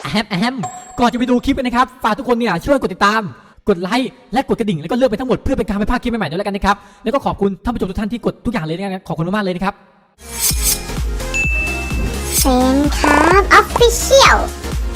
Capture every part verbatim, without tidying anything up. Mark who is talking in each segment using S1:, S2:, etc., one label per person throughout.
S1: แฮมแฮมก่อนจะไปดูคลิปนะครับฝากทุกคนเนี่ยช่วยกดติดตามกดไลค์และกดกระดิ่งแล้วก็เลือกไปทั้งหมดเพื่อเป็นการไม่พลาดคลิปใหม่ๆด้วยแล้วกันนะครับแล้วก็ขอบคุณท่านผู้ชมทุกท่านที่กดทุกอย่างเลยนะครับขอบคุณมากๆเลยนะครับ
S2: เซนครับออฟฟิเชียล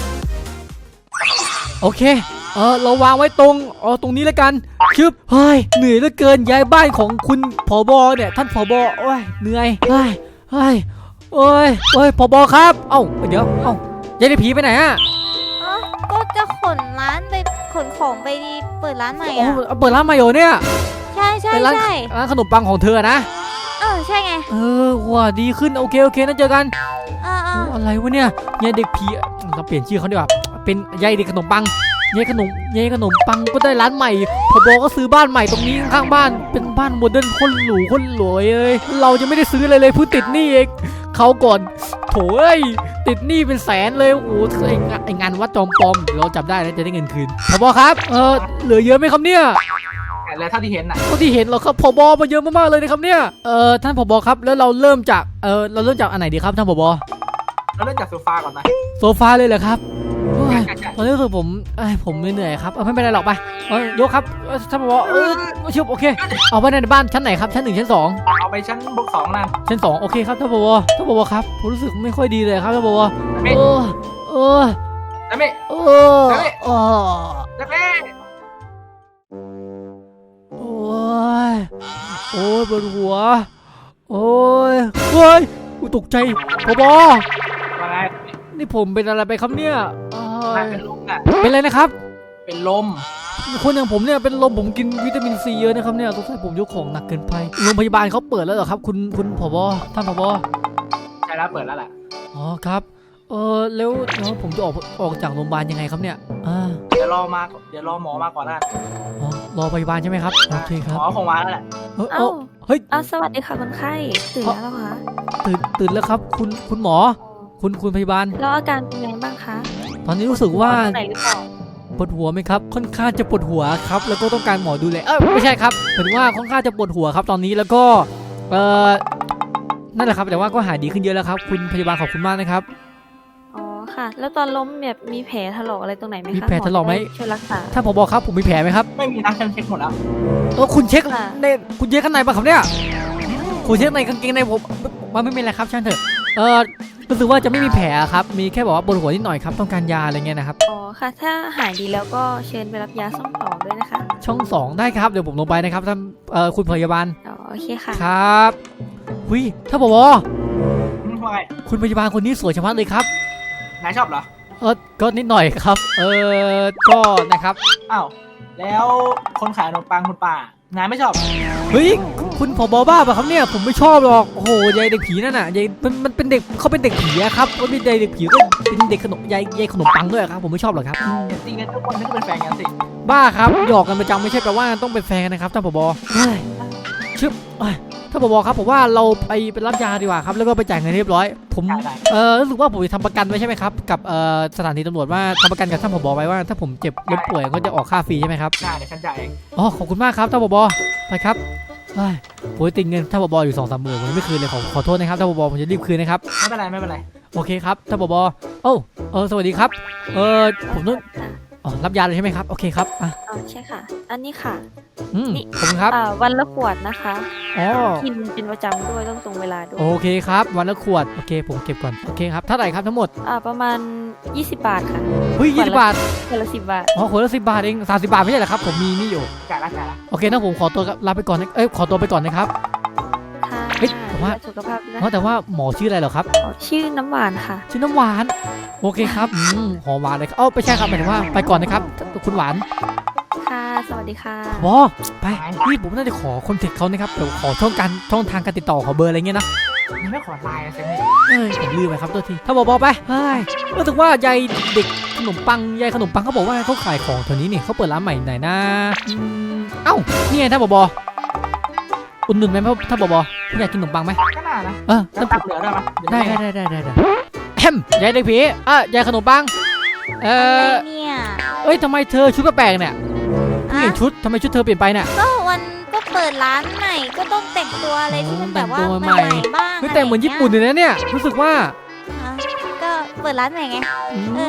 S1: โอเคเออเราวางไว้ตรงเออตรงนี้แล้วกันชึบเฮ้ยเหนื่อยเหลือเกินย้ายบ้านของคุณผบเนี่ยท่านผบโอ้ยเหนื่อยเฮ้ยเฮ้ยโอ้ยโอ้ยผบครับเอ้าเดี๋ยวเอ้ายายได้ผีไปไหนอะ
S3: ก็จะขนร้านไปขนของไปเปิดร้านใหม่อ่ะ
S1: เปิดร้านใหม่เหรอเนี่ย
S3: ใช่ใช่ใช่
S1: ร้านขนมปังของเธอนะ
S3: เออใช่ไง
S1: เออว่าดีขึ้นโอเคโอเคนั่นเจอกัน
S3: เออเออ
S1: อะไรวะเนี่ยยายเด็กผีเราเปลี่ยนชื่อเขาดีกว่าเป็นยายเด็กขนมปังยายขนมยายขนมปังก็ได้ร้านใหม่พบก็ซื้อบ้านใหม่ตรงนี้ข้างบ้านเป็นบ้านโมเดิร์นคนหรูคนรวยเลยเราจะไม่ได้ซื้ออะไรเลยเพิ่งติดหนี้เองเขาก่อนโถ่เอ้ยติดหนี้เป็นแสนเลยโอ้ไอ้งานวัดจอมปลอมเราจับได้แล้วจะได้เงินคืนพบครับเออเหลือเยอะไหมครับเนี่ย
S4: แล้วเท่าที่เห็นน่ะ
S1: เท่าที่เห็นเราครับผบมาเยอะมากๆเลยนะครับเนี่ยเออท่านผบครับแล้วเราเริ่มจากเออเราเริ่มจากอันไหนดีครับท่านผบ
S4: เราเริ่มจากโซฟาก่อนนะ
S1: โซฟาเลยเหรอครับตอนนี้รู้สึกผมไอ้ผมเหนื่อยครับไม่เป็นไรหรอกไปยกครับท่านผบเออชิบโอเคเอาไว้ในบ้านชั้นไหนครับชั้นหนึ่งชั้นสอง
S4: เอาไปชั้นบวกสองนั่น
S1: ชั้นสองโอเคครับท่านผบท่านผบครับผมรู้สึกไม่ค่อยดีเลยครับท่านผบเออเออ
S4: ได้ไหม
S1: เออเออ
S4: ได้ไหม
S1: โอ้ยโอ้ยปวดหัวโอ้ยเฮ้ยกูตกใจผบ
S4: อะไร
S1: นี่ผมเป็นอะไรไปครับเนี่ย
S4: เป็นลมอ่ะ
S1: เป็นอะไรนะครับ
S4: เป็นลม
S1: คนอย่างผมเนี่ยเป็นลมผมกินวิตามินซีเยอะนะครับเนี่ยสงสัยผมยกของหนักเกินไปโรงพยาบาลเขาเปิดแล้วเหรอครับคุณคุณผบท่านผบ
S4: ใช่แล้วเปิดแล้วแหละ
S1: อ๋อครับเออแล้วแล้วผมจะออกออกจากโรงพยาบาลยังไงครับเนี่ยอ่า
S4: เดี๋ยวรอมาเดี๋ยวรอหมอมาก่อนนะ
S1: อ๋อรอพยาบาลใช่ไหมครับโอเคครับ
S4: หมอคงมาแล้วแหละ
S1: เออเฮ้ย
S3: อ้าวสวัสดีค่ะคนไข้ตื่นแล้วเหรอคะ
S1: ตื่นตื่นแล้วครับคุณคุณหมอคุณคุณพยาบาล
S3: แล้วอาการเป็นไงบ้างคะ
S1: ตอนนี้รู้สึกว่าปวดหัวไหมครับค่อนข้างจะปวดหัวครับแล้วก็ต้องการหมอดูแลเออไม่ใช่ครับหมายถึงว่าค่อนข้างจะปวดหัวครับตอนนี้แล้วก็เออนั่นแหละครับแต่ว่าก็หายดีขึ้นเยอะแล้วครับคุณพยาบาลขอบคุณมากนะครับ
S3: อ๋อค่ะแล้วตอนล้มแบบมีแผลถลอกอะไรตรงไหนไหมคะ
S1: มีแผลถลอกไหม
S3: ช่วยรักษา
S1: ถ้าผมบอกครับผมมีแผลไหมครับ
S4: ไม่มีนะฉันเช็คหมดแล้ว
S1: เออคุณเช็คในคุณเช็คข้างในป่ะครับเนี่ยคุณเช็คในกางเกงในผมมันไม่เป็นไรครับช่างเถอะเออรู้สึกว่าจะไม่มีแผลครับมีแค่บอกว่าปวดหัวนิดหน่อยครับต้องการยาอะไรเงี้ยนะครับ
S3: อ๋อค่ะถ้าหายดีแล้วก็เชิญไปรับยาช่องสองด้วยนะคะ
S1: ช่องสองได้ครับเดี๋ยวผมลงไปนะครับท่านเอ่อคุณพยาบาล
S3: อ๋อโอเคค่ะ
S1: ครับหุยถ้าบอกว่าคุณพยาบาลคนนี้สวยชะมัดเลยครับ
S4: นายชอบเหรอ
S1: เออก็นิดหน่อยครับเออก็นะครับ
S4: อ้าวแล้วคนขายขนมปังคุณป้านายไม่ชอบ
S1: เฮ้ยคุณผบบ้าป่ะครับเนี่ยผมไม่ชอบหรอกโอ้โหยายเด็กผีนั่นน่ะยายมันมันเป็นเด็กเขาเป็นเด็กผีอะครับเขาเป็นเด็กผีก็เป็นเด็กขนมยายยายขนมปังด้วยครับผมไม่ชอบหรอกครับ
S4: จริงๆทุกคนไม่ต้องเป็นแฟนกันสิ
S1: บ้าครับหยอกกันประจำไม่ใช่แปลว่าต้องเป็นแฟนกันนะครับท่านผบชึบท่านผบครับผมว่าเราไปเป็นรับยาดีกว่าครับแล้วก็ไปจ่ายเงินเรียบร้อยผมเออรู้สึกว่าผมจะทำประกันไว้ใช่ไหมครับกับเอ่อสถานีตำรวจว่าทำประกันกับท่านผบไว้ว่าถ้าผมเจ็บล้มป่วยก็จะออกค่าฟรีใช่ไหมครับ
S4: ใช่เดี๋ยวฉันจ่ายเอง
S1: อ๋อขอบคุณมากครับท่านผบไปครับผมติดเงินท่านผบอยู่สองสามหมื่นผมไม่คืนเลยขอขอโทษนะครับท่านผบผมจะรีบคืนนะครับ
S4: ไม่เป็นไรไม่เป็นไร
S1: โอเคครับท่านผบโอ้เออสวัสดีครับเออผมต้องอ๋อรับยาเลยใช่ไหมครับโอเคครับ
S3: อ่ะอ๋อใช่ค่ะอันนี้ค่ะ
S1: อืมขอบคุณครับ
S3: อ่าวันละขวดนะคะ
S1: อ๋อ
S3: กินเป็นประจำด้วยต้องตรงเวลาด้วย
S1: โอเคครับวันละขวดโอเคผมเก็บก่อนโอเคครับเท่าไหร่ครับทั้งหมด
S3: อ่าประมาณยี่สิบบาทค่ะ
S1: เฮ้ยยี่สิบบาท
S3: ขวดละสิบบาท
S1: อ๋อขวดละสิบบาทเองสามสิบบาทไม่ใช่เหรอครับผมมีนี่อยู่
S4: จ่ายละจ่ายละ
S1: โอเคนะผมขอตัวลาไปก่อนเอ้ยขอตัวไปก่อนนะครับ
S3: ค่ะ
S1: เฮ้ยแต่ว่า
S3: สุขภาพนะ
S1: แต่ว่าหมอชื่ออะไรเหรอครับ
S3: ชื่อน้ำหวานค่ะ
S1: ชื่อน้ำหวานโอเคครับอืมหอมหวานเลยเอ้าไม่ใช่ครับหมายถึงว่าไปก่อนนะครับคุณหวาน
S3: ค่ะสวัสดีค่ะ
S1: บอไปพี่ผมน่าจะขอคอนแทคเขานะครับเดี๋ยวขอช่องการช่องทางการติดต่อขอเบอร์อะไรเงี้ยนะ
S4: ไม่ขอไลน์ใช่ไหม
S1: เอ้ยผมลืมไปครับตัวทีถ้าบอกบอกไปเฮ้ยรู้สึกว่ายายเด็กขนมปังยายขนมปังเขาบอกว่าเขาขายของแถวนี้นี่เขาเปิดร้านใหม่ไหนนะเอ้านี่ไงถ้าบอกบออุ่นหนุนไหมถ้าบอกบออยากกินขนมปังไหม
S4: ก็น่านะ
S1: เออ
S4: จะตักเหลือได้ไหม
S1: ได้ได้ได้ได้ได้แฮมยายเด็กผีอ่ะยายขนมปังเออ
S3: เนี่ย
S1: เอ้ยทำไมเธอชุดแปลกเนี่ยเปลี่ยนชุดทำไมชุดเธอเปลี่ยนไปเนี่ย
S3: ก็วันก็เปิดร้านใหม่ก็ต้องแต่งตัวอะไรที่มันแบบว่าใหม่บ้าง
S1: ไม่แต่งเหมือนญี่ปุ่นเลยนะเนี่ยรู้สึกว่า
S3: ก็เปิดร้านใหม่ไง
S1: เออ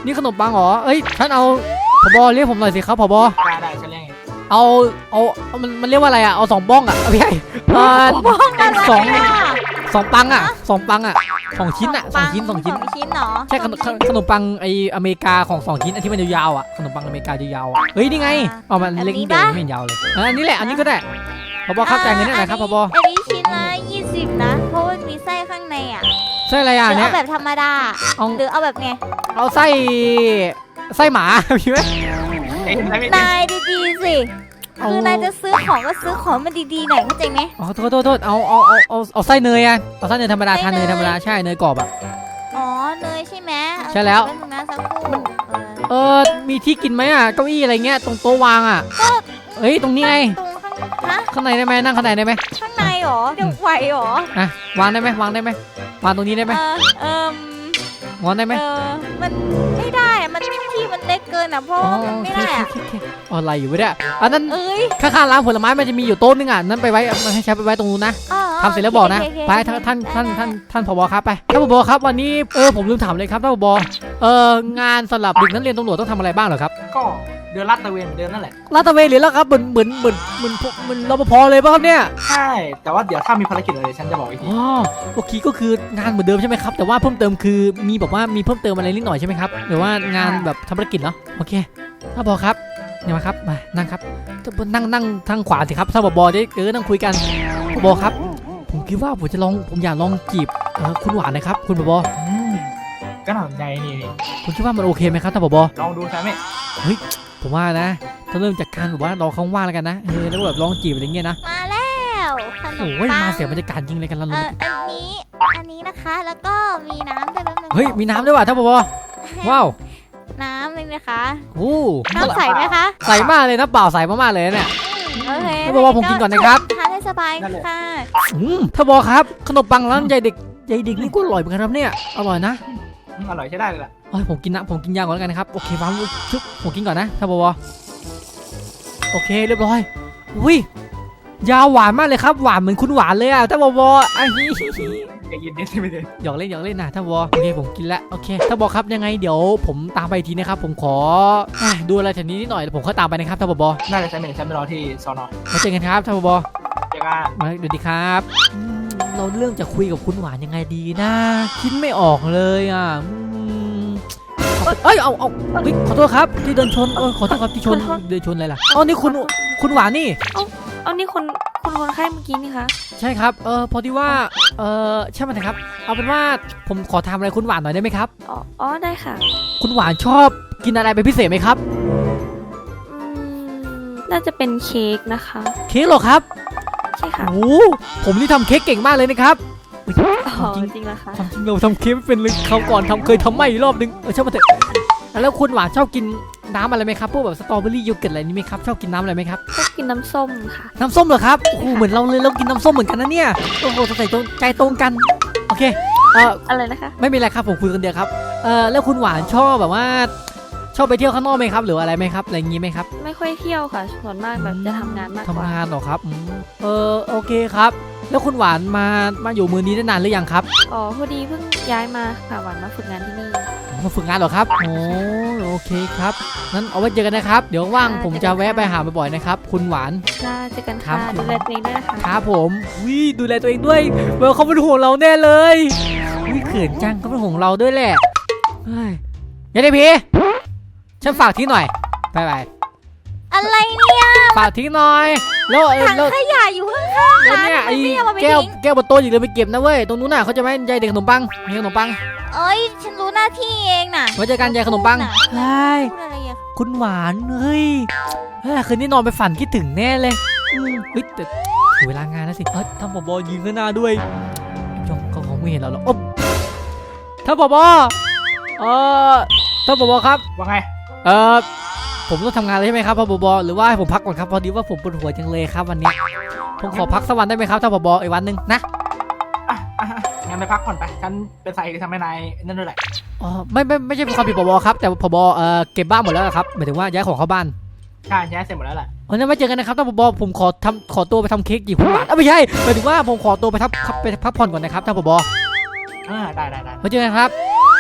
S1: นี่ขนมปังเหรอเอ้ยท่านเอาผบเรียกผมหน่อยสิครับผบ
S4: ได้ได้ฉันเรียกไง
S1: เอาเอาเอามันมันเรียกว่าอะไรอ่ะเอาสองบ้องอ่ะเอาพี่ใหญ่เออ
S3: บ้องอะไร
S1: สอง
S3: อ่ะ
S1: สองปังอ่ะสองปังอ่ะสองชิ้นอ่ะสองชิ้นสองชิ้น
S3: สองชิ้นเหรอ
S1: ใช่ขนมขนมขนมปังไออเมริกาของสองชิ้นอันที่มันยาวๆอ่ะขนมปังอเมริกายาวๆอะเฮ้ยนี่ไงเอามันเล็กนิดเดียวไม่เห็นยาวเลยอ่ะอันนี้แหละอันนี้ก็ได้ผบครับจ่ายเงินได้ไหนครับผบ
S3: อันนี้ชิ้นละยี่สิบนะเพราะมันมีไส้ข้างในอ่ะ
S1: ใช่อะไร
S3: ห
S1: อ่ะ
S3: รือ
S1: เนี่
S3: เอา
S1: ย
S3: แบบธรรมดา
S1: เอา
S3: หรือเอาแบบไง
S1: เอาไส้ไส้หมา มีไหม
S4: เอ้ยไม่ไม่
S3: นายดีๆสิคือนายจะซื้อของก็ซื้อของมันดีๆหน่อยเข้าใจไหม
S1: อ๋อโทษโทษโทษเอาเอาเอาเอาเอาไส้เนยอ่ะเอาไส้เนยธรรมดาทานเนยธรรมดาใช่เนยกรอบอ่ะ
S3: อ๋อเนยใช่ไหม
S1: ใช่แล้ว
S3: เออนะสักครู่เออ
S1: เออมีที่กินไหมอ่ะเก้าอี้อะไรเงี้ยตรงโต๊ะวางอ่ะเอ้ยตรงนี้ไง
S3: ตรงข้างฮะ
S1: ข้างในได้ไหมนั่งข้างในได้ไหม
S3: ข้างในเหรอเดี๋ยวไหวเหรอ
S1: อ่ะวางได้ไหมวางได้ไหมวางตรงนี้ได้ไหม
S3: เออเอม
S1: วางได้ไหม
S3: เออมันไม่ได้อะมันที่มันเล็กเกินอ่ะเพราะว่ามันไม่ได้อะ
S1: โอเคโอเคโอเคอะไรอยู่วะเนี่ยอันนั้น
S3: เอ้ย
S1: ข้างๆร้านผลไม้มันจะมีอยู่โต๊ะนึงอ่ะนั้นไปไว้มันให้ใช้ไปไว้ตรงนู้นนะ
S3: อ๋อ
S1: ทำเสร็จแล้วบอกนะ
S3: โเคโอเค
S1: ไปท่านท่านท่านท่านท่านผบครับไปท่านผบครับวันนี้เออผมลืมถามเลยครับท่านผบเอองานสำหรับเด็กนักเรียนตำรวจต้องทำอะไรบ้างเหรอครับ
S4: ก็เดินลาดตระเวนเหมือนเดิมนั่นแหละ
S1: ลาดตระเวนหรือแล้วครับเหมือนเหมือนเหมือนเหมือนเหมือนรปภเลยป่ะครับเนี่ย
S4: ใช่แต่ว่าเดี๋ยวถ้ามีภารกิจอะไรฉันจะบอกอีกที
S1: อ๋อโอเคก็คืองานเหมือนเดิมใช่ไหมครับแต่ว่าเพิ่มเติมคือมีแบบว่ามีเพิ่มเติมอะไรนิดหน่อยใช่ไหมครับหรือว่างานแบบทำภารกิจเหรอโอเคท่านผบครับเนี่ยมาครับมานั่งครับนั่งนั่งทางขวาสิครับท่านผบได้เออนั่งคุยกันผบครับผมคิดว่าผมจะลองผมอยากลองจีบเออคุณหวานนะครับคุณผบ
S4: อืมก็น่าสนใจนี่นี่
S1: คุณคิดว่ามันโอเคไหมครับท่านผบ
S4: ลองดูใช่ไหม
S1: ผมว่านะต้องเริ่มจากการแบบว่าเราเขาว่างแล้วกันนะเออแล้วแบบลองจีบอะไรเงี้ยนะ
S3: มาแล้วขนม
S1: โอ้ย
S3: ปัง
S1: มาเสียบรรยากาศจริงเลยกันแล้ว
S3: เอออันนี้อันนี้นะคะแล้วก็มีน้ำด้วยแป๊บนึง
S1: เฮ้ยมีน้ำด้วยว่ะท่านผบว้าว
S3: น้ำนี่นะคะ
S1: โอ้
S3: น้ำใสไหมคะ
S1: ใสมากเลยนะเปล่าใสมากๆเลยเนี่ย
S3: โอเค
S1: ท่านผบผมกินก่อนนะครับ
S3: ทานให้สบายค่ะ
S1: อืมท่านผบครับขนมปังร้านใหญ่เด็กใหญ่เด็กนี่ก็อร่อยเหมือนกันครับเนี่ยอร่อยนะ
S4: อืมอร่อยใช้ได้เลยล่ะ
S1: เอ้ยผมกินนะผมกินยาก่อนแล้วกันนะครับโอเควางชุบผมกินก่อนนะท่านผบโอเคเรียบร้อยอุ้ยยาหวานมากเลยครับหวานเหมือนคุณหวานเลยอ่ะท่านผบอันนี้
S4: อย่ายินดีสิไม่ได้
S1: หยอกเล่นหยอกเล่นนะท่านผบโอเคผมกินแล้วโอเคท่านผบครับยังไงเดี๋ยวผมตามไปอีกทีนะครับผมขออ่ะดูอะไรแถวนี้นิดหน่อยแล้วผมค่อยตามไปนะครับท่านผบ
S4: น่าจะใช้เมนฉันไปรอที่สอนอ
S1: มาเจอกันครับท่านผบ
S4: เจ้าก้า
S1: มาดูดีครับอืมเราเริ่มจะคุยกับคุณหวานยังไงดีนะคิดไม่ออกเลยอ่ะอืมเอ้ยเอาเอาเฮ้ยขอโทษครับที่เดินชนเออขอโทษครับที่ชน
S5: ขอโทษ
S1: เดินชนอะไรล่ะอ๋อนี่คุณคุณหวานนี่
S5: เอานี่คนคนคนไข้เมื่อกี้นี่คะ
S1: ใช่ครับเออพอดีว่าเออใช่ไหมครับเอาเป็นว่าผมขอทำอะไรคุณหวานหน่อยได้ไหมครับ
S5: อ๋ออ๋อได้ค่ะ
S1: คุณหวานชอบกินอะไรเป็นพิเศษไหมครับ
S5: อืมน่าจะเป็นเค้กนะคะ
S1: เค้กเหรอครับ
S5: ใช่ค่ะ
S1: โอ้โหผมนี่ทำเค้กเก่งมากเลยนะครับ
S5: อ๋อ
S1: จริง
S5: จริงเหรอคะ
S1: ความจริงเราทำเค้กไม่เป็นเลยคราวก่อนทำเคยทำไม่รอบนึงเออช่างมาเถอะแล้วคุณหวานชอบกินน้ำอะไรไหมครับพวกแบบสตรอเบอรี่โยเกิร์ตอะไรนี่ไหมครับชอบกินน้ำอะไรไหมครับ
S5: ชอบกินน้ำส้มค่ะ
S1: น้ำส้มเหรอครับโอ้โหเหมือนเราเลยเรากินน้ำส้มเหมือนกันนะเนี่ยโอ้โหสงสัยตรงใจตรงกันโอเคเออ
S5: อะไรนะคะ
S1: ไม่มีอะไรครับผมคุยคนเดียวครับเออแล้วคุณหวานชอบแบบว่า ชอบไปเที่ยวข้างนอกไหมครับหรืออะไรไหมครับอะไรอย่างงี้ไหมครับ
S5: ไม่ค่อยเที่ยวค่ะ ส่วนมากแบบจะทำงานมากก
S1: ทำ
S5: ว่า
S1: งานเหรอครับอืมเออโอเคครับ แล้วคุณหวานมามาอยู่เมืองนี้ได้นานหรือยังครับ
S5: อ๋อพอดีเพิ่งย้ายมาค่ะหวานมาฝึกงานที่นี่
S1: มาฝึกงานเหรอครับโอ้โอเคครับงั้นเอาไว้เจอกันนะครับเดี๋ยวว่างผมจะแวะไปหาบ่อยๆนะครับคุณหวาน
S5: น่าเจอกัน
S1: ครั
S5: ค่ะ
S1: บ
S5: ดูแลตัวเองด้วยนะคะ
S1: ครับผมวิดูแลตัวเองด้วยเวลเขาเป็นห่วงเราแน่เลยวิเขินจังเขาเป็นห่วงเราด้วยแหละเฮ้ยยันได้พี่ฉันฝากทิ้งหน่อยไปไป
S3: อะไรเนี่ย
S1: ฝากทิ้งหน่อยแล้วเออ
S3: ถัง
S1: แล้ว
S3: ขยะอยู่ข้างๆ
S1: แล้ว
S3: ร้าน
S1: เนี่ยไอ้
S3: ไม่เอามาไป
S1: แก้ว
S3: ทิ้ง
S1: แก้วบนโต๊ะอย่าลืมไปเก็บนะเว้ยตรงนู้นน่ะเขาจะไม่ยายเด็กขนมปังมีขนมปัง
S3: เอ้ยฉันรู้หน้าที่เองน่ะ
S1: ไว้เจอกันยายขนมปัง
S3: น่ะ
S1: เฮ้ย
S3: พูดอะไรอ่ะ
S1: คุณหวานเฮ้ยเฮ้ยคืนนี้นอนไปฝันคิดถึงแน่เลยอืมเฮ้ยแต่ถึงเวลางานแล้วสิเฮ้ยท่านผบยืนข้างหน้าด้วยจงเขาคงไม่เห็นเราหรอกอ๊บท่านผบเออท่านผบครับ
S4: ว่าไง
S1: เออผมต้องทำงานเลยใช่ไหมครับท่านผบหรือว่าให้ผมพักก่อนครับพอดีว่าผมปวดหัวจังเลยครับวันเนี้ยผมขอพักสักวันได้ไหมครับท่านผบอีกวันหนึ่งนะ
S4: อ่ะอ่ะอ่ะงั้นไปพักผ่อนไปฉันเป็นสาเหตุที่ทำให้นายนั่นด้วยแหละ
S1: อ๋อไม่ไม่ไม่ใช่ความผิดผบครับแต่ผบเออเก็บบ้านหมดแล้วครับหมายถึงว่าย้ายของเข้าบ้าน
S4: ใช่ย้ายเสร็จหมดแล้วแหละ
S1: วันนั้นมาเจอกันนะครับท่านผบผมขอทำขอตัวไปทำเค้กจีบคุณหวานเอ้าไม่ใช่หมายถึงว่าผมขอตัวไปทับไปพักผ่อนก่อนนะครับท่านผบ
S4: อ่าได้ได้ได้
S1: มาเจอกันครับ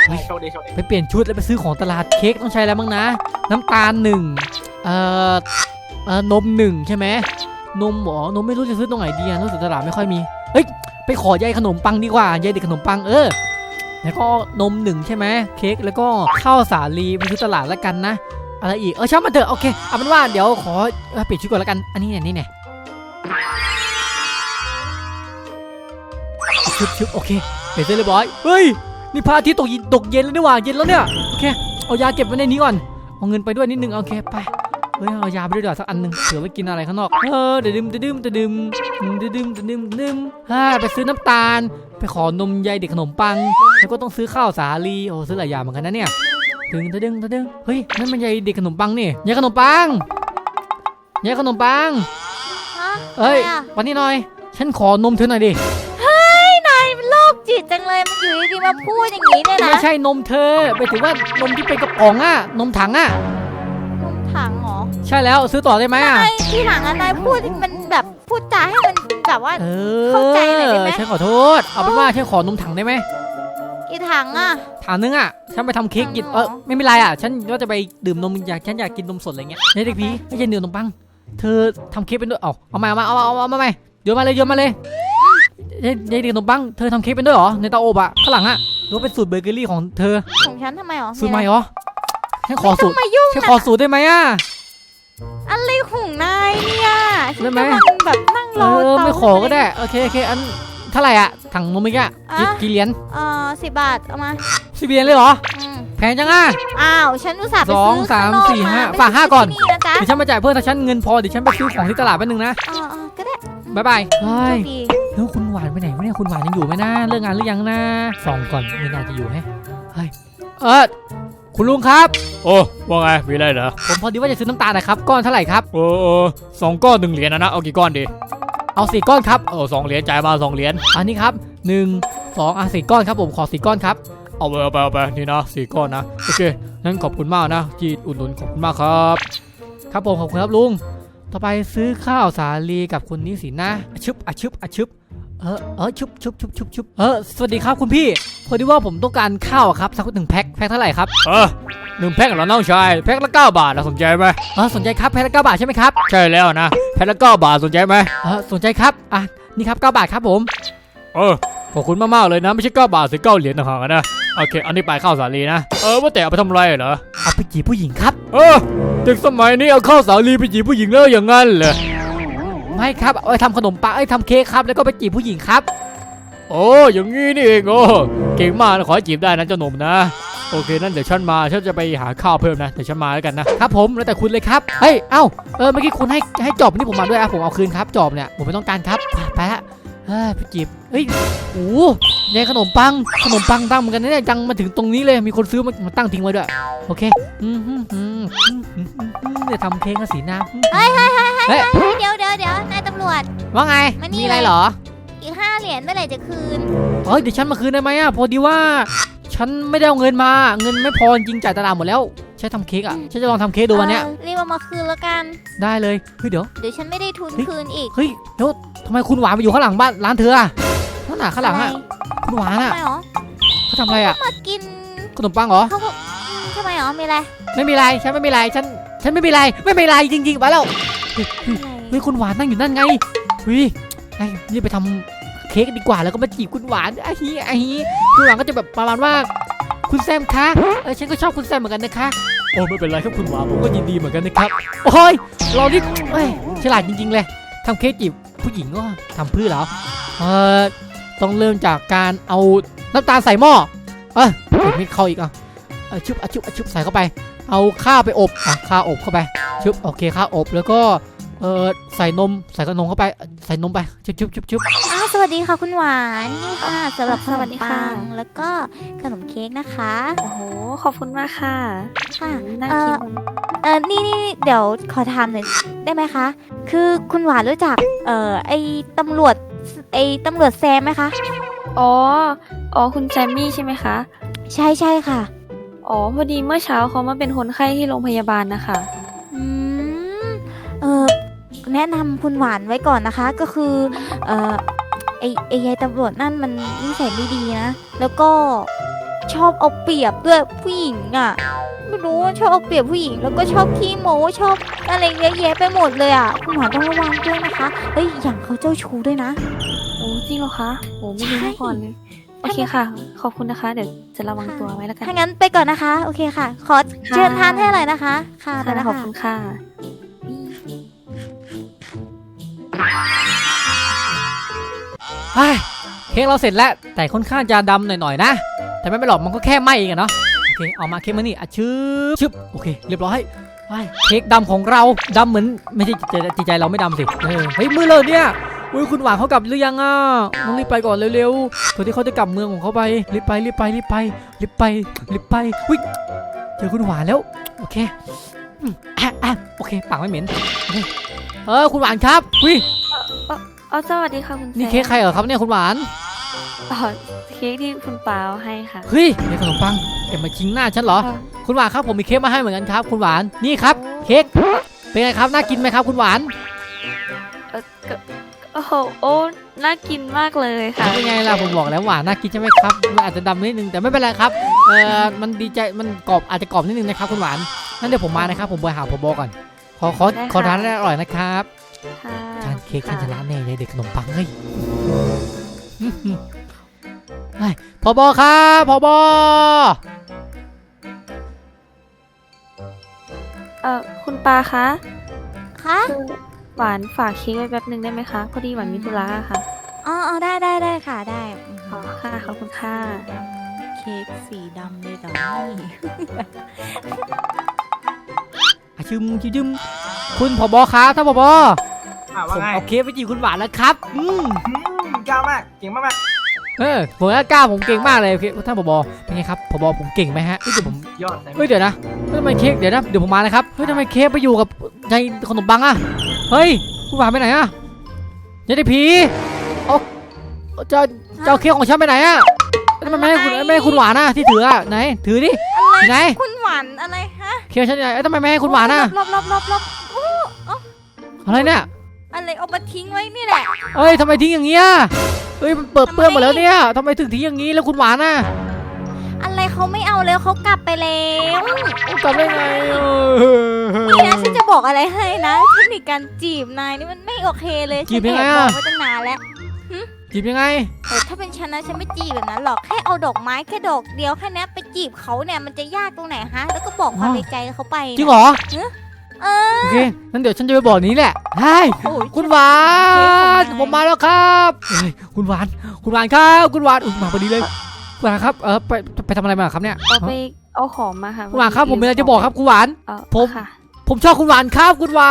S1: เฮ้ย
S4: โชคดีโชคดี
S1: ไปเปลี่ยนชุดแล้วไปซื้อของตลาดเค้กต้องใช้อะไรบ้างนะ น้ำตาลหนึ่งเอ่อเอ่อนมหนึ่งใช่ไหมนมหรอนมไม่รู้จะซื้อตรงไหนดีอะรู้สึกตลาดไม่ค่อยมีเฮ้ยไปขอใยขนมปังดีกว่าใยเด็กขนมปังเออแล้วก็นมหนึ่งใช่ไหมเค้กแล้วก็ข้าวสาลีไปซื้อตลาดแล้วกันนะอะไรอีกเออช่างมันเถอะโอเคเอาเป็นว่าเดี๋ยวขอเอ่อเปลี่ยนชุดก่อนแล้วกันอันนี้เนี่ยนี่เนี่ยชุบชุบโอเคเปลี่ยนเสร็จเรียบร้อยเฮ้ยนี่พระอาทิตย์ตกเย็นตกเย็นแล้วนี่หว่าเย็นแล้วเนี่ยโอเคเอายาเก็บไว้ในนี้ก่อนเอาเงินไปด้วยนิดนึงโอเคไปเฮ้ยเอายาไปด้วยดีกว่าสักอันหนึ่งเผื่อไปกินอะไรข้างนอกเออเดี๋ยวดื่มเดี๋ยวดื่มเดี๋ยวดื่มเดี๋ยวดื่มเดี๋ยวดื่มเดี๋ยวดื่มฮ่าไปซื้อน้ำตาลไปขอนมใยเด็กขนมปังแล้วก็ต้องซื้อข้าวสาลีโอ้ซื้อหลายอย่างเหมือนกันนะเนี่ยดึงเดี๋ยวดึงเดี๋ยวดึงเฮ้ยนั่นมันใยเด็กขนมปังนี่ใยขนมปังใยขนมปัง
S3: ฮะ
S1: เอ้ย
S3: อะไรอะ
S1: วันนี้หน่อยฉันขอนมเธอหน่อยดิ
S3: นายมันโรคจิตจังเลยมันอยู่ดีๆมาพูดอย่างนี้เนี่ยนะ
S1: ไม่ใช่นมเธอไปถึงว่านมที่เป็นกระป๋องอะนมถังอะ
S3: นมถังเหรอ
S1: ใช่แล้วซื้อต่อได้ไหมอะ
S3: ไอ้ที่ถังอะนายพูดมันแบบพูดจาให้มันแบบว่า
S1: เอ
S3: เข้าใจหน่อยได้ไหม
S1: ฉันขอโทษเอาเป็นว่าฉันขอนมถังได้ไหม
S3: กี่ถังอะ
S1: ถังนึงอะฉันไปทำเค้กกิน
S3: ถังเหรอ
S1: เออไม่เป็นไรอะฉันก็จะไปดื่มนมอยากฉันอยากกินนมสดอะไรเงี้ยเด็กพี่ไม่ใช่เนื้อนมปังเธอทำเค้กเป็นด้วยเอาเอามาเอามาเอามาเอามาเอามาเอาโยนมาเลยโยนมาเลยยายยายเด็กขนมปังเธอทำเค้กเป็นด้วยเหรอในเตาอบอะข้างหลังอะหรือว่าเป็นสูตรเบเกอรี่ของเธอ
S3: ของฉันทำไมหรอ
S1: สูตรใหม่เหรอฉันขอสูตร
S3: มายุ่ง
S1: ฉัน
S3: นะ
S1: ขอสูตรได้ไหมอะ
S3: อะไรของนายเนี่ยฉัน
S1: ได้ไหม
S3: กำลังแบบนั่ง
S1: เอ
S3: รอ
S1: อ
S3: เตา
S1: ไม่ขอก็ได้โอเคโอเคอันเท่าไหร่อะถังนมเมื่อกี้อะกี่
S3: อ่ะ
S1: กี่เหรียญ
S3: เออสิบบาทเอามา
S1: สิบเหรียญเลยเหรอ
S3: อืม
S1: แพงจังอะ
S3: อ้าวฉันอุตส่าห์ไป
S1: สอง
S3: ซื้อ
S1: สาม
S3: ข้งนอก
S1: สี่ห้า
S3: ไม่
S1: ฝากห้าก่อน
S3: ซื้ที่นะจ๊ะ
S1: เดี๋ยวฉันมาจ่ายเพิ่มถ้าฉันเงินพอเดี๋ยวฉันไปซื้อของที่ตลาดแป๊บนึงนะ
S3: เออเออก็ได้
S1: บ๊ายบายเฮ้
S3: โช
S1: ย
S3: คดี
S1: แล้วคุณหวานไปไหนวะเนี่ยคุณหวานยังอยู่ไหมนะเลิกงานหรือยังนะส่องก่อนไม่น่าจะอยู่แฮะเฮ้ยเออคุณลุงครับ
S6: โอ้ว่าไงมีอะไรเหรอ
S1: ผมพอดีว่าจะซื้อน้ำตาลนะครับก้อนเท่าไหร่ครับ
S6: โอ้โอ้สองก้อนหนึ่งเหรียญนะนะเอากี่ก้อนดี
S1: เอาสี่ก้อนครับ
S6: เออสองเหรียญจ่ายมาสองเหรียญ
S1: อันนี้ครับหนึ่งสองอ่ะสี่ก้อนครับผมขอสี่ก้อนครับ
S6: เอาไปเอาไปเอาไปนี่นะสี่ก้อนนะโอเคงั้นขอบคุณมากนะที่อุดหนุนขอบคุณมากครับ
S1: ครับผมขอบคุณครับลุงต่อไปซื้อข้าวสาลีกับคุณนิสินะอะชึบอะชึบอะชึบเออเออชุบชุบชุบชุบชุบเออสวัสดีครับคุณพี่พอดีว่าผมต้องการข้าวอะครับสักหนึ่งแพ็คแพ็คเท่าไหร่ครับ
S6: เออหนึ่งแพ็คเหรอน้องชายแพ็คละเก้าบาทนะสนใจไหม
S1: เออสนใจครับแพ็คละเก้าบาทใช่ไหมครับ
S6: ใช่แล้วนะแพ็คละเก้าบาทสนใจไหม
S1: เออสนใจครับอ่ะนี่ครับเก้าบาทครับผม
S6: เออขอบคุณมากๆเลยนะไม่ใช่เก้าบาทสิเก้าเหรียญต่างหากนะโอเคอันนี้ไปข้าวสาลีนะเออว่าแต่เอาไปทำอะไรเหรอ
S1: เอาไปจีบผู้หญิงครับ
S6: เออเด็กสมัยนี้เอาข้าวสาลีไปจีบผู้หญิงแล้วอย่างงั้นเหรอ
S1: ไม่ครับเอาไปทำขนมปังเอ้ยทำเค้กครับแล้วก็ไปจีบผู้หญิงครับ
S6: โอ้อย่างงี้นี่เองโอ้เก่งมากนะขอให้จีบได้นะเจ้าหนุ่มนะโอเคนั่นเดี๋ยวฉันมาฉันจะไปหาข้าวเพิ่มนะเดี๋ยวฉันมาแล้วกันนะครับ
S1: ผมแล้วแต่คุณเลยครับเฮ้ยเอ้าเออเมื่อกี้คุณให้ให้จอบนี่ผมมาด้วยอ่ะผมเอาคืนครับจอบเนี่ยผมไม่ต้องการครับไปไปละเฮ้ยไปจีบเฮ้ยโอ้ยายขนมปังขนมปังตั้งเหมือนกันนะเนี่ยจังมาถึงตรงนี้เลยมีคนซื้อมามาตั้งทิ้งไว้ด้วยโอเคอืมอืมอืมอืมอืมอืมอืมเดี๋ยวทำเค้กกับสีน้ำ
S3: เฮ้ยเฮ้ยเฮ้ย
S1: เฮ้ย
S3: เฮ้ยเดี๋ยวเดี๋ยวเดี๋ยวนายตำรวจ
S1: ว่าไง
S3: มานี่
S1: มีอะไร
S3: เลย
S1: เหรอ
S3: อีกห้าเหรียญเมื่อไหร่จะคืน
S1: เฮ้ยเดี๋ยวฉันมาคืนได้ไหมอ่ะพอดีว่า ฉันไม่ได้เอาเงินมาเงินไม่พอจริงจ่ายตลาดหมดแล้วใช้ทำเค้กอ่ะฉันจะลองทำเค้กดูวันเนี้ย
S3: เออรีบเอามาคืนแล้วกัน
S1: ได้เลยเฮ้ยเดี๋ยว
S3: เดี๋ยวฉันไม่ได้ทุน
S1: เฮ้ย
S3: คืนอีก
S1: เฮ้ยแล้วทำไมคุณหวานไปอยู่ข้างหลังบ้านร้านเธออ่ะนั่นน่ะข้างหลังอ่ะ
S3: ท
S1: คุณหวาน
S3: ำ
S1: อ่ะ
S3: ไมหรอ
S1: เขาทำอะไรอ่ะ
S3: มากิน
S1: ขนมปังเหรอ
S3: เขาก็อืมทำไมหรอมีอะไร
S1: ไม่มีไรฉันไม่มีไรฉันฉันไม่มีไรไม่มีไรจริงๆไปแล้วเฮ้ยเฮ้ยเฮ้ยคุณหวานนั่งอยู่นั่นไงเฮ้ยไอ้นี่ไปทำเค้กดีกว่าแล้วก็มาจีบคุณหวานไอ้ฮีไอ้ฮีคุณหวานก็จะแบบประมาณว่า คุณแซมคะเออฉันก็ชอบคุณแซมเหมือนกันนะคะโอ้ไม่เป็นไรครับคุณหวานผมก็ยินดีเหมือนกันนะครับโอ้ยเรานี่เอ้ยฉลาดจริงๆเลยทำเค้กจีบผู้หญิงก็ทำเพื่อเหรอเออต้องเริ่มจากการเอาน้ำตาลใส่หม้อเออเดี๋ยวมิดเข้าอีกอ่ะเออชุบอ่ะชุบอ่ะชุบใส่เข้าไปเอาข้าวไปอบอ่ะข้าวอบเข้าไปชุบโอเคข้าวอบแล้วก็เออใส่นมใส่ขนมเข้าไปใส่นมไปชุบชุบชุบชุบ
S3: อ้าวสวัสดีค่ะคุณหวานนี่ค่ะสำหรับข
S5: ส
S3: น
S5: วัส
S3: ม
S5: ดี
S3: ปั
S5: ค่ะ
S3: งแล้วก็ขนมเค้กนะคะ
S5: โอ้โหขอบคุณมากค่ะ
S3: ค่ะ
S5: น่า
S3: เอ
S5: กิ
S3: อน เออนี่นี่เดี๋ยวขอถามหน่อยได้ไหมคะ คือคุณหวานรู้จักเอ่อไอ้ตำรวจไอ้ตำรวจแซมไหมคะ
S5: อ๋ออ๋อคุณแซมมี่ใช่ไหมคะ
S3: ใช่ใช่ค่ะ
S5: อ๋อพอดีเมื่อเช้าเขามาเป็นคนไข้ที่โรงพยาบาลนะคะ
S3: อืมเออแนะนำคุณหวานไว้ก่อนนะคะ ก็คือเออไอไอยายตำรวจนั่นมันนิสัยไม่ดีนะ แล้วก็ชอบเอาเปรียบด้วยผู้หญิงอ่ะไม่รู้ว่าชอบเอาเปรียบผู้หญิงแล้วก็ชอบขี้โม้ชอบอะไรเยอะแยะไปหมดเลยอ่ะคุณหวานต้องระวังด้วยนะคะเฮ้ยอย่างเขาเจ้าชู้ด้วยนะ
S5: โอ้จริงเหรอคะโอ้ไม่รู้มาก่อนเลยโอเคค่ะ ขอบคุณนะคะ เดี๋ยวจะระวังตัวไว้แล้วกัน
S3: ถ้างั้นไปก่อนนะคะ โอเคค่ะ ขอเชิญทานให้อะไรนะคะ ค่ะไป
S5: ค่ะ
S3: แล้ว
S5: ขอบ
S3: ค่ะ
S5: คุณค่ะ
S1: เฮ้ยเค้กเราเสร็จแล้วแต่ค่อนข้างจะดำหน่อยๆนะแต่ไม่เป็นหรอกมันก็แค่ไหม้เองอะเนาะโอเคเอามาเค้กมานี่อ่ะชึบชึบโอเคเรียบร้อยไปเค้กดำของเราดำเหมือนไม่ใช่ใจใจใจเราไม่ดำสิเออเฮ้ยมือเลยเนี่ยอุ้ยคุณหวานเขากลับหรือยังอ่ะต้องรีบไปก่อนเร็วๆก่อนที่เขาจะกลับเมืองของเขาไปรีบไปรีบไปรีบไปรีบไปรีบไปอุ้ยเจอคุณหวานแล้วโอเคอืมอ่ะอ่ะโอเคปากไม่เหม็นโอเคเออคุณหวานครับอุ้ย
S5: เอาสวัสดีค่ะคุณแซม
S1: นี่เค้กใครเหรอครับเนี่ยคุณหวาน
S5: อ๋อเค้กที่คุณปาเอาให้ค่ะ
S1: เฮ้ยเค้กขนมปังแกมาชิงหน้าฉันเหรอ
S5: ค่ะ
S1: คุณหวานครับผมมีเค้กมาให้เหมือนกันครับ คุณหวานนี่ครับเค้กเป็นไงครับน่ากินไหมครับ คุณหวาน
S5: เออก็โอ้โหโอ้น่ากินมากเลยค่ะ
S1: เป็นไงล่ะผมบอกแล้วหวานน่ากินใช่ไหมครับมันอาจจะดำนิดนึงแต่ไม่เป็นไรครับเออมันดีใจมันกรอบอาจจะกรอบนิดนึงนะครับคุณหวานนั่นเดี๋ยวผมมานะครับผมไปหาผบก่อนขอขอขอทานได้อร่อยนะครับ
S5: ค่ะ
S1: ทานเค้กฉันชนะแน่เลยเด็กขนมปังเฮ้ยเฮ้ยผบครับผบ
S5: เออคุณปาคะ
S3: คะ
S5: คือหวานฝากเค้กไว้แป๊บหนึ่งได้ไหมคะ พอดีหวานมีธุระอะค่ะ
S3: อ๋ออ๋อได้ได้ได้ค่ะได้
S5: อ๋อค่ะ ขอบคุณค่ะ
S3: เค้กสีดำเลยเหรอนี่
S1: อะชึมชึมชึมคุณผบครับท่านผบ
S4: อ่า
S1: ผ
S4: ว่าม ไง
S1: เอาเค้กไปจีบคุณหวานแล้วครับอืม
S4: อืมกล้ามากเก่งมาก
S1: เออผมก็กล้าผมเก่งมากเลยโอเคท่านผบเป็นไงครับผบผมเก่งไหมฮะเฮ้ยเดี๋ยวผม
S4: ๆยอดเลย
S1: เฮ้ยเดี๋ยวนะเฮ้ยทำไมเค้กเดี๋ยวนะเดี๋ยวผมมานะครับเฮ้ยทำไมเค้กไปอยู่กับในขนมปังอะเฮ้ยคุณหวานไปไหนอะยายเด็กผีเอาเจ้าเจ้าเค้กของฉันไปไหนอะทำไมไม่ให้คุณไม่ให้คุณหวานอะที่ถืออะไหนถือดิ
S3: อะไร
S1: ไหน
S3: คุณหวานอะไรฮะ
S1: เค้กฉันไหนเอ้ยทำไมไม่ให้คุณหวานอะ
S3: ลบลบลบลบโอ้
S1: อะไรเนี่ย
S3: อะไรเอามาทิ้งไว้นี่แหละ
S1: เอ้ยทำไมทิ้งอย่างเงี้ยเอ้ยมันเปิดเปื้อนหมดแล้วเนี่ยทำไมถึงทิ้งอย่างนี้แล้วคุณหวานอะ
S3: อะไรเขาไม่เอาแล้วเขากลับไปแล้ว
S1: กลับได้ไงเออ
S3: นี่นะฉันจะบอกอะไรให้นะเทคนิคการจีบนายนี่มันไม่โอเคเลย
S1: จีบยังไง
S3: ฉัน
S1: อะ
S3: แอบบอกไว้ตั้งนานแล้ว
S1: จีบยังไง
S3: เออถ้าเป็นฉันนะฉันไม่จีบแบบนั้นหรอกแค่เอาดอกไม้แค่ดอกเดียวแค่นี้ไปจีบเขาเนี่ยมันจะยากตรงไหนฮะแล้วก็บอกความในใจเขาไป
S1: จริงเหรอ
S3: เออ
S1: โอเคงั้นเดี๋ยวฉันจะไปบอกนี้แหละใช่
S3: โอ้ย
S1: คุณหวาน ผมมาแล้วครับเฮ้ยคุณหวาน คุณหวานครับ คุณหวานอุ๊ยมาพอดีเลยคุณหวานครับ เออไปไปทำอะไรมาครับเนี่ย
S5: เอาไปเอาของมาค่ะ
S1: คุณหวานครับ ผมมีอะไรจะบอกครับคุณหวาน
S5: เออ
S1: ผม
S5: ค่ะ
S1: ผมชอบคุณหวานครับ คุณหวาน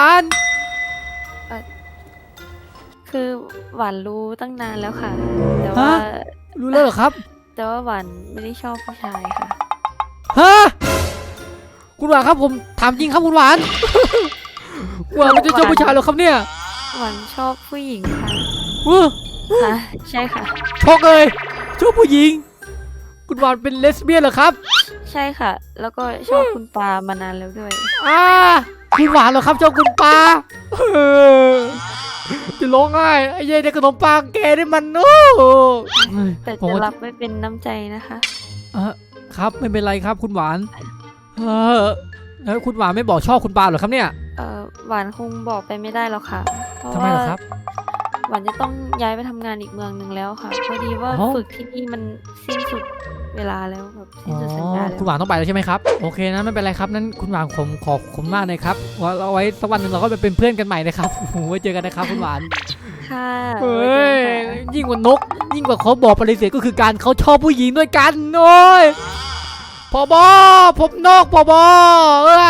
S5: คือหวานรู้ตั้งนานแล้วค่ะ แต่ว่า
S1: ฮะ รู้แล้วเหรอครับ
S5: แต่ว่าหวานไม่ได้ชอบผู้ชายค่ะ
S1: ฮะ คุณหวานครับผมถามจริงครับคุณหวาน คุณหวานไม่ได้ชอบผู้ชายเหรอครับเนี่ย
S5: หวานชอบผู้หญิงค่ะ
S1: เออ
S5: ค่ะ ใช่ค่ะ
S1: ช็อกเลยชอบผู้หญิง คุณหวานเป็นเลสเบี้ยนเหรอครับ
S5: ใช่ค่ะ แล้วก็ชอบคุณปามานานแล้วด้วย
S1: อ่าคุณหวานเหรอครับชอบคุณปลาเออจะร้องไห้ไอ้เย้เด็กขนมปังแกนี่มันโอ้
S5: แต่
S1: ผม
S5: จะ
S1: ว่า
S5: รับไม่เป็นน้ำใจนะคะ
S1: เออครับไม่เป็นไรครับคุณหวานเออแล้วคุณหวานไม่บอกชอบคุณปลาเหรอครับเนี่ย
S5: เออหวานคงบอกไปไม่ได้หรอกค่ะ เพราะ
S1: ทำไม
S5: ว่า
S1: เหรอครับ
S5: หวานจะต้องย้ายไปทำงานอีกเมืองหนึ่งแล้วค่ะ พอดีว่า
S1: อ๋อ
S5: ฝึกที่นี่มันสิ้นสุดเวลาแล้วแบบสิ้
S1: อ๋
S5: น
S1: อ
S5: สุดสัญญาแล้ว
S1: คุณหวานต้องไปแล้วใช่ไหมครับโอเคนะไม่เป็นไรครับนั้นคุณหวานผมขอบคุณมากเลยครับว่าเอาไว้สักวันหนึ่งเราก็ไปเป็นเพื่อนกันใหม่นะครับโอ้โหไว้เจอกันนะครับคุณหวาน
S5: ค่ะ
S1: เฮ้
S5: ไว้
S1: ย
S5: เจอกันค่ะ
S1: ยิ่งกว่านก ยิ่งกว่าเขาบอกปฏิเสธก็คือการเขาชอบผู้หญิงด้วยกันโอ้ยพอบอผมนกพอบอเออ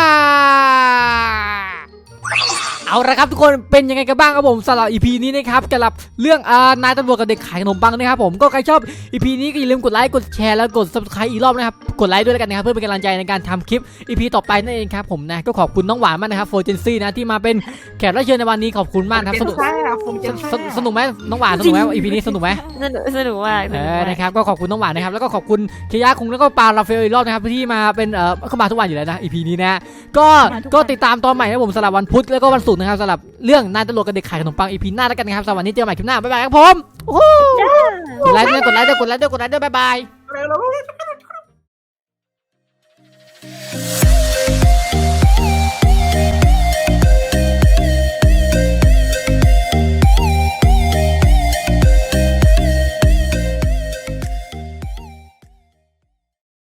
S1: เอาละครับทุกคนเป็นยังไงกันบ้างครับผมสำหรับ อี พี นี้นะครับสำหรับเรื่องอ่านายตำรวจกับเด็กขายขนมปังนะครับผมก็ใครชอบ อี พี นี้ก็อย่าลืมกดไลค์กดแชร์แล้วกด ซับสไครบ์ อีกรอบนะครับกดไลค์ด้วยแล้วกันนะครับเพื่อเป็นกำลังใจในการทำคลิป อี พี ต่อไปนั่นเองครับผมนะก็ขอบคุณน้องหวานมากนะครับโฟร์เจนซี่นะที่มาเป็นแขกรับเชิญในวันนี้ขอบคุณมากนะครับ
S4: เจ
S1: ส
S4: น
S1: นุก
S4: แซ่บผมเจน
S1: ส
S4: แซ่
S1: นุกสนุกไหมน้องหวานสนุกไหม อี พี นี้สนุกไหม
S5: สนุกสนุกมากส
S1: เอ
S5: นุก
S1: อ
S5: มาก
S1: นะครับก็ขอบคุณน้องหวานนะครับแล้วก็ขอบคุณเคยาคุงแล้วก็ปาราเฟลอีกรอบนะครับที่มาเป็นเออเข้ามาทุกวันอยู่แล้วนะ อี พี นี้นะก็ก็ติดตามตอนใหม่นะผมสำหรับวันพุธแล้วก็วันศุกร์นะครับสำหรับเรื่องนายตำรวจกับเด็กขายขนมปัง อี พี หน้าแล้วกันนะครับสำหรับวันนี้เจอกันใหม่คลิปหน้าบ๊ายบายครับผมโอ้โหกดไลค์ด้วยกดไลค์ด้วยกดไลค์ด้วยกดไลค์ด้วยบ๊ายบาย
S4: เร็วๆ
S2: Official